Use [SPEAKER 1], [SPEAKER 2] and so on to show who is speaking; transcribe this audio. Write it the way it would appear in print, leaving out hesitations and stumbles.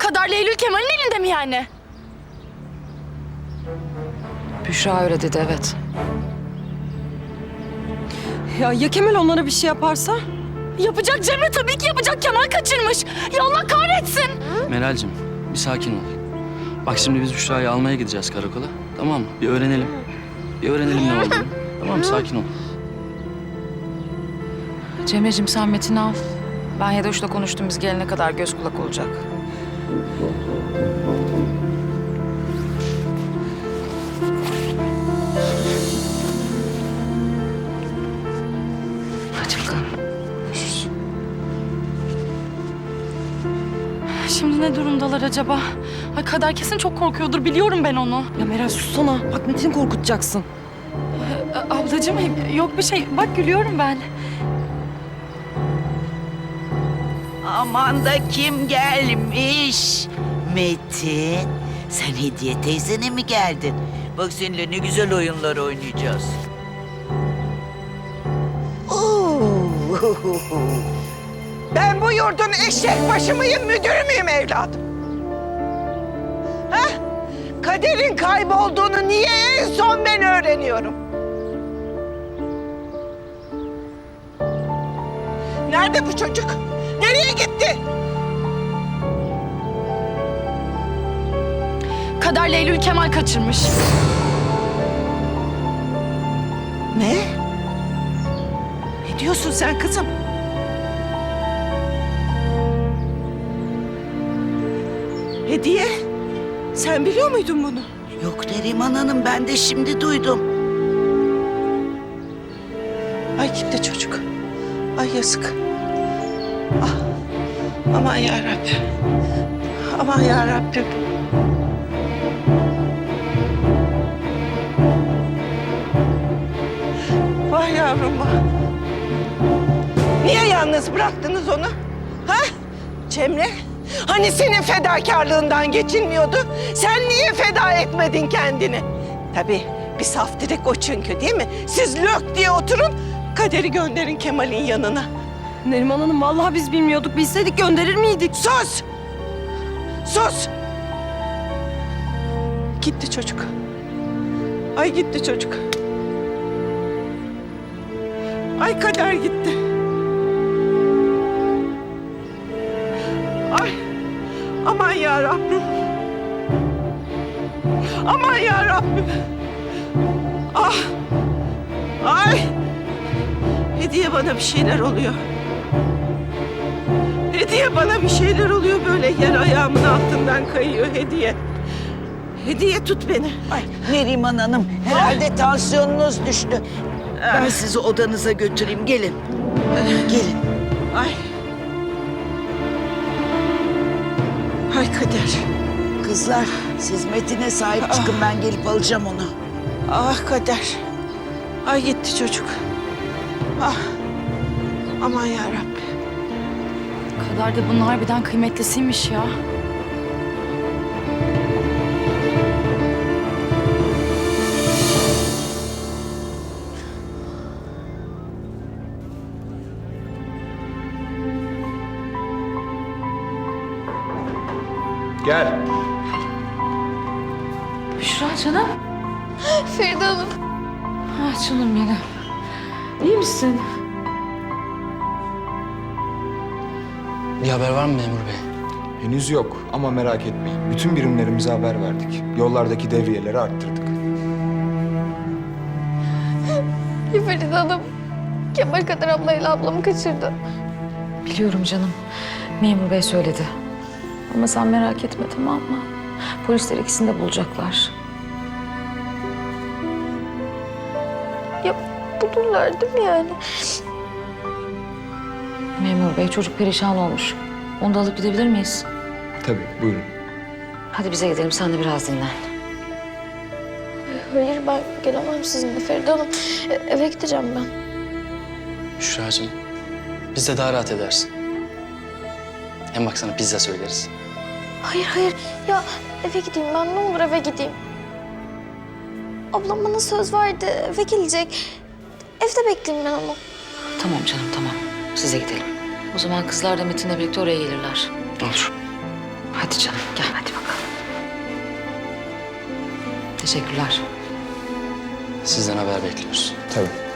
[SPEAKER 1] Kader'le Eylül Kemal'in elinde mi yani?
[SPEAKER 2] Büşra öyle dedi, evet.
[SPEAKER 3] Ya Kemal onlara bir şey yaparsa?
[SPEAKER 1] Yapacak Cemre, tabii ki yapacak. Kemal kaçırmış. Ya Allah kahretsin.
[SPEAKER 4] Meral'cim bir sakin ol. Bak şimdi biz Büşra'yı almaya gideceğiz karakola. Tamam mı? Bir öğrenelim. Bir öğrenelim ne olduğunu. Tamam mı? Sakin ol.
[SPEAKER 2] Cemre'cim sen Metin'i al. Ben Hedoş'la konuştum, biz gelene kadar göz kulak olacak. Hadi bakalım.
[SPEAKER 1] Şimdi ne durumdalar acaba? Ay Kader kesin çok korkuyordur. Biliyorum ben onu.
[SPEAKER 3] Ya Meral sussana. Bak Metin'i korkutacaksın.
[SPEAKER 1] Ablacığım yok bir şey. Bak gülüyorum ben.
[SPEAKER 5] Aman da kim gelmiş? Metin, sen Hediye teyzene mi geldin? Bak seninle ne güzel oyunlar oynayacağız.
[SPEAKER 6] Ben bu yurdun eşek başı mıyım, müdürü müyüm evladım? Ha? Kader'in kaybolduğunu niye en son ben öğreniyorum? Nerede bu çocuk? Nereye gitti?
[SPEAKER 1] Kader'le Eylül Kemal kaçırmış.
[SPEAKER 6] Ne? Ne diyorsun sen kızım? Hediye, sen biliyor muydun bunu?
[SPEAKER 5] Yok Neriman Hanım, ben de şimdi duydum.
[SPEAKER 6] Ay gitti çocuk. Ay yazık. Ah, aman yarabbim. Aman yarabbim. Vay yavrum vah. Niye yalnız bıraktınız onu? Ha? Cemre? Hani senin fedakarlığından geçilmiyordu? Sen niye feda etmedin kendini? Tabii bir saf direk o çünkü, değil mi? Siz lök diye oturun, Kader'i gönderin Kemal'in yanına.
[SPEAKER 3] Neriman Hanım vallahi biz bilmiyorduk. Bilseydik gönderir miydik?
[SPEAKER 6] Sus! Sus! Gitti çocuk. Ay gitti çocuk. Ay Kader gitti. Ay aman ya Rabbim. Aman ya Rabbim. Ah! Ay! Hediye bana bir şeyler oluyor. Hediye bana bir şeyler oluyor, böyle yer ayağımın altından kayıyor Hediye. Hediye tut beni.
[SPEAKER 5] Ay Neriman Hanım, herhalde tansiyonunuz düştü. Ben sizi odanıza götüreyim, gelin. Gelin.
[SPEAKER 6] Ay. Ay Kader.
[SPEAKER 5] Kızlar, siz Metin'e sahip çıkın, ben gelip alacağım onu.
[SPEAKER 6] Ah Kader. Ay gitti çocuk. Ah. Aman yarabbim.
[SPEAKER 1] Kader de bunun harbiden kıymetlisiymiş ya.
[SPEAKER 7] Gel.
[SPEAKER 2] Büşra canım.
[SPEAKER 1] Feride Hanım.
[SPEAKER 2] Ah canım benim. İyi misin?
[SPEAKER 4] Bir haber var mı memur bey?
[SPEAKER 7] Henüz yok ama merak etmeyin. Bütün birimlerimize haber verdik. Yollardaki devriyeleri arttırdık.
[SPEAKER 8] Feride Hanım, Kemal Kader ablayla ablamı kaçırdı.
[SPEAKER 2] Biliyorum canım. Memur bey söyledi. Ama sen merak etme, tamam mı? Polisler ikisini de bulacaklar.
[SPEAKER 8] Ya bulurlar değil mi yani?
[SPEAKER 2] Memur bey, çocuk perişan olmuş. Onu da alıp gidebilir miyiz?
[SPEAKER 7] Tabii, buyurun.
[SPEAKER 2] Hadi bize gidelim, sen de biraz dinlen.
[SPEAKER 8] Hayır, ben gelemem sizinle Feride Hanım. Eve gideceğim ben.
[SPEAKER 4] Büşra'cığım biz de daha rahat edersin. Hem bak sana pizza söyleriz.
[SPEAKER 8] Hayır, hayır. Ya eve gideyim ben, ne olur eve gideyim. Ablam bana söz verdi, eve gelecek. Evde bekleyeyim ben onu.
[SPEAKER 2] Tamam canım, tamam. Size gidelim. O zaman kızlar da Metin'le birlikte oraya gelirler.
[SPEAKER 4] Olur.
[SPEAKER 2] Hadi canım gel hadi bakalım. Teşekkürler.
[SPEAKER 4] Sizden haber bekliyoruz.
[SPEAKER 7] Tabii.